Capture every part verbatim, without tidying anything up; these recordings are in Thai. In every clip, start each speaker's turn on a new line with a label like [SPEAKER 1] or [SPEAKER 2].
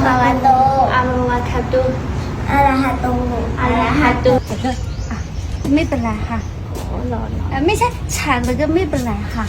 [SPEAKER 1] ฮาวะโต
[SPEAKER 2] อะระวะคาตุ
[SPEAKER 1] อะระหะโต
[SPEAKER 2] อะระหะตุ
[SPEAKER 3] อ่ะไม่เป็นไรค่ะ
[SPEAKER 2] หลอน
[SPEAKER 3] เอ่อไม่ใช่ฉันแล้วก็ไม่เป็นไรค่ะ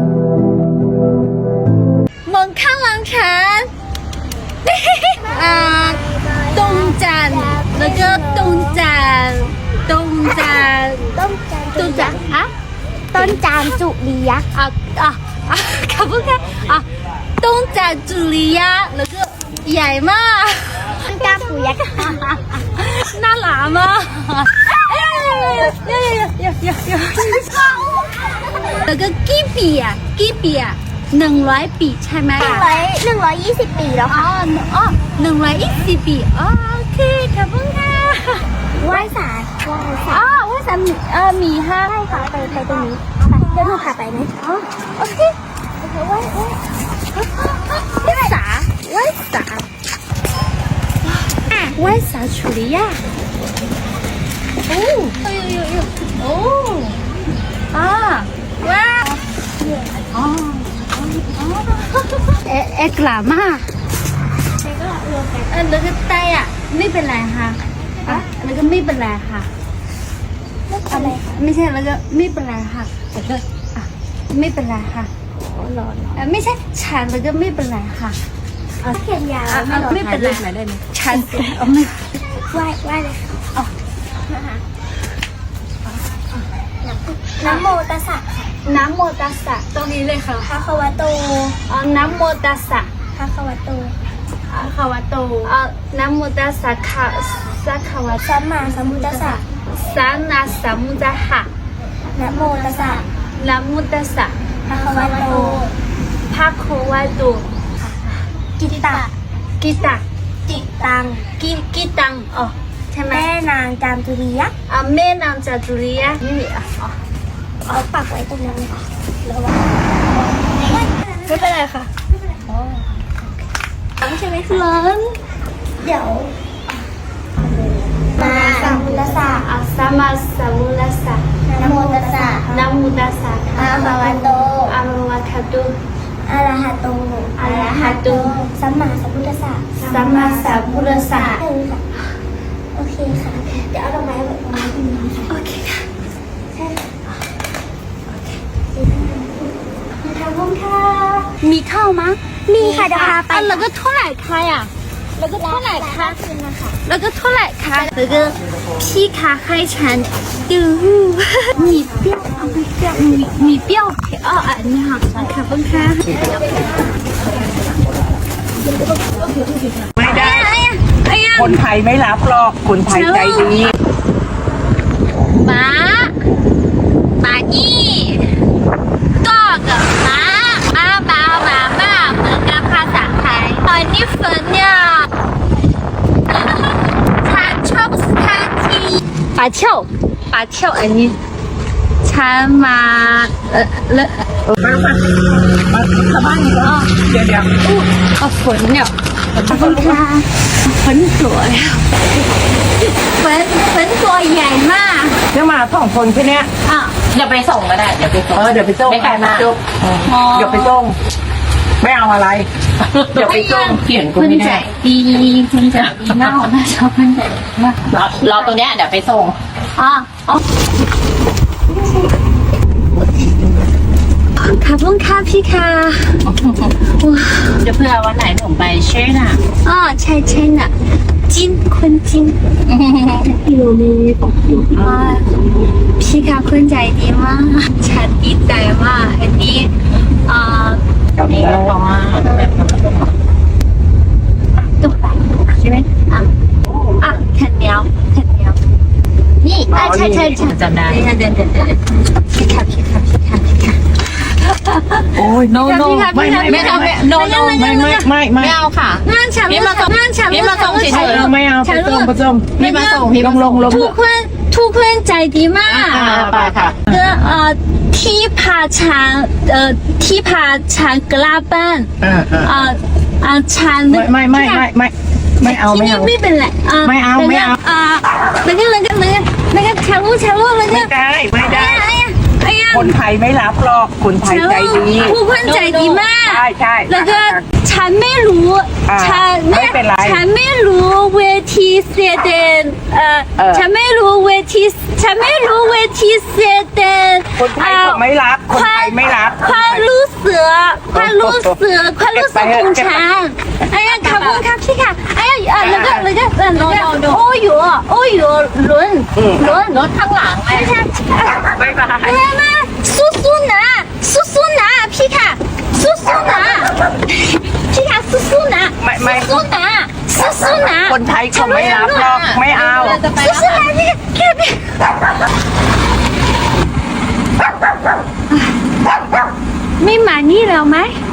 [SPEAKER 3] มองข้างหลังฉันอ่าตรงจันทร์แล้วก็ตรงจันทร์ตรงจันทร์
[SPEAKER 1] ต้นจาน
[SPEAKER 3] ตรงจันทร์อ่ะ
[SPEAKER 1] ต้นจานจุลียักษ์
[SPEAKER 3] อ่ะอ่ะอ่ะขอบคุณค่ะอ่ะตรงจันทร์จุลียะแล้วก็ใหญ่มาก
[SPEAKER 1] ต้นจานปูยักษ์
[SPEAKER 3] น่ารักมากเอ้ยเอ้ยเอ้ยเอ้ยเอ้ยเอ้ยเอ้ยแล้วก็กี่ปีอ่ะกี่ปีอ่ะหนึ่งร้อยปีใช่ไหม
[SPEAKER 1] หนึ่ง
[SPEAKER 3] อ่ะ
[SPEAKER 1] ร้อยหนึ่งร้อยยี่สิบปีแล้ว
[SPEAKER 3] อ๋
[SPEAKER 1] ค่ะ
[SPEAKER 3] ออ๋อหนึ่งร้อยยี่สิบปีอ๋อโอเคขอบคุณค่ะ
[SPEAKER 1] ไหว้ศาลไหว้ศา
[SPEAKER 3] อ๋
[SPEAKER 1] ล
[SPEAKER 3] อว่าสามีเออมีห้า
[SPEAKER 1] ใช่ค่ะไปไปตรงนี้ไปเดี๋ยวหนูพาไปไหมอ๋อโอเคโอเคไหว้ไหว้
[SPEAKER 3] ว่าสาว่าสาว่าสา处理呀โอ้哎呦呦呦โอ้อ่าว้าอ๋อเอ๊ะเอ๊ะกล้ามาก เออแล้วก็ไตอ่ะไม่เป็นไรค่ะอ่ะแล้วก็ไม่เป็นไรค่ะ
[SPEAKER 1] อะไร
[SPEAKER 3] ไม่ใช่แล้วก็ไม่เป็นไรค่ะแต่ก็อ่ะไม่เป็นไรค่ะ
[SPEAKER 2] หลอน
[SPEAKER 3] เออไม่ใช่ฉันแล้วก็ไม่เป็นไรค่ะ
[SPEAKER 1] เขียนยาว
[SPEAKER 3] อ่ะ
[SPEAKER 1] ไม่
[SPEAKER 3] อ่ะ
[SPEAKER 1] หรอก
[SPEAKER 3] ไม่เป็นไรฉันเอาไม่
[SPEAKER 1] ไหว้ไหว้เลยค่ะ
[SPEAKER 3] เอา
[SPEAKER 1] นะคะนะโมตัสสะค่ะ
[SPEAKER 3] น้ำโมตัสสะตรงนี้เลยค่ะ
[SPEAKER 1] ภะคะวะโต
[SPEAKER 3] เอาน้ำโมตัสสะ
[SPEAKER 1] ภะคะวะโต
[SPEAKER 3] อะคาวะโตเอาน้ำโมตัสสะค่ะสักขาวะ
[SPEAKER 1] สัมมาสัมพุทธัสสะ
[SPEAKER 3] สานาสัมมุตหะ
[SPEAKER 1] นะโมตัสสะ
[SPEAKER 3] น้ำโมตัสสะ
[SPEAKER 1] ภะคะวะโต
[SPEAKER 3] ภาโควะโต
[SPEAKER 1] กิตตะ
[SPEAKER 3] กิตะ
[SPEAKER 1] จิตัง
[SPEAKER 3] กิกิตังอ๋อใช่ไหม
[SPEAKER 1] แม่นางจามจุรียักษ์
[SPEAKER 3] อ่ะแม่นางจาตุรียะนี่อ่ะอ๋อ
[SPEAKER 1] เอาปักไว้ตรงนั้นเลยค่ะระวัง
[SPEAKER 3] ไม่เป็นไรค่ะ
[SPEAKER 1] ใช่ไหมคะ
[SPEAKER 3] ร้อน
[SPEAKER 1] เดี๋ยวมาสัมพุทธัสสะ
[SPEAKER 3] อ่ะสัมมาสัมพุทธัสสะ
[SPEAKER 1] นะโมตัสสะ
[SPEAKER 3] นะโมตัสสะ
[SPEAKER 1] อะระหะโต
[SPEAKER 3] อะระวะคาตุ
[SPEAKER 1] อะระหะโต
[SPEAKER 3] อะระหะโต
[SPEAKER 1] สัมมาสัมพุทธัสสะ
[SPEAKER 3] สัมมาสัมพุทธัสสะ
[SPEAKER 1] เออค่ะโอเคค่ะ เดี๋ยวเอาดอกไม้ไว้ตรงนี้ตรงนี้ค่ะ
[SPEAKER 3] โอเคค่ะ
[SPEAKER 1] ใช่ค่ะ
[SPEAKER 3] ขอบคุณค่ะมีข้าวมั้ย
[SPEAKER 1] มีค่ะเดี๋ยวพาไป
[SPEAKER 3] อ่ะแล้วก็เท่าไหร่คะอ่ะแล้วก็เท่าไหร่คะ
[SPEAKER 1] คืนนะคะ
[SPEAKER 3] แล้วก็เท่าไหร่คะแล้วก็พี่คะให้ฉันดูมีเปรี้ยวเอาไม่เปรี้ยวมีมีเปรี้ยวเผ็ดอ๋ออันนี้ค่ะขอบคุณค่ะ
[SPEAKER 4] ไม่ได้
[SPEAKER 3] ไอ้ยังไอ้ยัง
[SPEAKER 4] คนไทยไม่รับหรอก คนไทยใจดี
[SPEAKER 3] ป้าป้านี่ก็กับป้าป้าป้าป้าป้าเหมือนกับภาษาไทยตอนนี้ฝนเนี่ยฉันชอบสถานที่ป่าเที่ยวป่าเที่ยวอันนี้ฉันมาเออเลอะ
[SPEAKER 4] ไปไปมาชาวบ้านอีกแล้วเดี๋ยวเดี๋ยว
[SPEAKER 3] เอาฝนเนี่ยขอบคุณค่ะฝนสวยฝนฝนตัวใหญ่มาก
[SPEAKER 4] เดี๋ยวมาสองคนแค่เนี้ย
[SPEAKER 3] อ่ะ
[SPEAKER 5] เดี๋ยวไปส่งก็ได้ เดี๋ยวไปส่ง
[SPEAKER 4] เออเดี๋ยวไปส่ง
[SPEAKER 5] ไม่ไกลมาก
[SPEAKER 4] จุ๊บเดี๋ยวไปส่งไม่เอาอะไร เดี๋ยวไปส่ง
[SPEAKER 5] เขียนกู
[SPEAKER 3] คุณ
[SPEAKER 5] ไม่
[SPEAKER 3] ใจ
[SPEAKER 5] ได้
[SPEAKER 3] ดีคุณใจดีมากน่าชอบคุณใจดีมาก
[SPEAKER 5] รอรอตรงเนี้ยเดี๋ยวไปส่ง
[SPEAKER 3] อ่ะอ๋อขอบคุณค่ะพี่ค่ะว้า
[SPEAKER 5] เดี๋ยวเพื่อวันไหนหนูไปเช่น่ะ
[SPEAKER 3] อ๋อใช่ใช่น่ะจินคุณจินอยู่ในอ่าพี่ค่ะคุณใจดีมากฉันดีใจมากอันนี้อ่า
[SPEAKER 5] นี่ก็เพราะว่าแบบ
[SPEAKER 3] ตุ๊กตาใช่ไหมอ่ะอ่ะแผ่นเดียวแผ่นเดียวนี่อ่ะใช่ใช่ใช่
[SPEAKER 5] จำได้
[SPEAKER 3] เดี๋ยวเดี๋ยวเดี๋ยวพี่ค่ะพี่ค่ะพี่ค่ะพี่ค่ะ
[SPEAKER 4] โอ้ย no no
[SPEAKER 3] พี่ค่ะ
[SPEAKER 4] ไม่
[SPEAKER 3] พี่ค่ะ
[SPEAKER 4] ไม่
[SPEAKER 5] ไม่
[SPEAKER 4] ไม่
[SPEAKER 5] เอาไม่ no no
[SPEAKER 4] ไม่ไม่ไม่ไม่
[SPEAKER 5] ไม่เอาค่ะ
[SPEAKER 3] งานฉัน
[SPEAKER 5] พี่มาส่ง
[SPEAKER 3] งานฉัน
[SPEAKER 5] พี่มาส่งเฉย
[SPEAKER 4] เออไม่เอาไปส่งไปส่ง
[SPEAKER 5] พี่มาส่งพี่
[SPEAKER 4] ล
[SPEAKER 5] มาง
[SPEAKER 4] ล
[SPEAKER 5] ส่ง
[SPEAKER 4] งลง
[SPEAKER 3] ทุกคนทุกคนใจดีมาก
[SPEAKER 5] อ่าไปค่ะ
[SPEAKER 3] ก็เอ่อที่พาฉันเอ่อที่พาฉันกลับบ้าน
[SPEAKER 4] เออเออ
[SPEAKER 3] เอ่ออ่าฉัน
[SPEAKER 4] ไม่ไม่ไม่ไม่ไม่ไม่เอา
[SPEAKER 3] ที่
[SPEAKER 4] ไม่
[SPEAKER 3] นี่
[SPEAKER 4] เอา
[SPEAKER 3] ไม่เป็นไรอ่า
[SPEAKER 4] ไม่เอาไม่เอา
[SPEAKER 3] อ่าแล้วก็แล้วก็แล้วก็แล้วก็ฉันรู้ฉันรู้แล้วก็
[SPEAKER 4] ไม่ได้ไม่ได้
[SPEAKER 3] 哎呀哎呀哎呀
[SPEAKER 4] คนไทยไม่รับหรอกคนไทยใจดี
[SPEAKER 3] ผู้คนใจดีมาก
[SPEAKER 4] ใช่ใช่
[SPEAKER 3] แล้วก็ฉันไม่รู้
[SPEAKER 4] อ่า
[SPEAKER 3] ฉัน
[SPEAKER 4] ไม่เป็นไร
[SPEAKER 3] ฉันไม่รู้เวทีเสดนเอ่อ
[SPEAKER 4] เออ
[SPEAKER 3] ฉันไม่รู้เวทีฉันไม่รู้เวทีเสดน
[SPEAKER 4] คนไทยเขาไม่รับคนไทยไม่รับ
[SPEAKER 3] ความรู้สึกความรู้สึกความรู้สึกของฉัน哎呀ขอบคุณครับพี่ค่ะ哎呀อ่ะแล้วก็แล้วก็แล้วก็โอ้ยโอ้ยลุ้นลุ้น
[SPEAKER 5] รถข้างหลังแม่
[SPEAKER 3] ไม่ใช่
[SPEAKER 4] บ๊ายบาย
[SPEAKER 3] แม่มาสู้สู้ๆนะสู้สู้ๆนะพี่ค่ะสู้สู้ๆนะพี่ค่ะสู้สู้ๆนะ
[SPEAKER 4] ไม่ไม่
[SPEAKER 3] สู้ๆนะสู้สู้ๆนะ
[SPEAKER 4] คนไทยเขาไม่รับหรอกไม่เอา
[SPEAKER 5] จะไป
[SPEAKER 3] สู้
[SPEAKER 5] แล้ว
[SPEAKER 3] สู้ๆนะพี่ค่ะแค่พี่ไม่มานี่แล้วไหม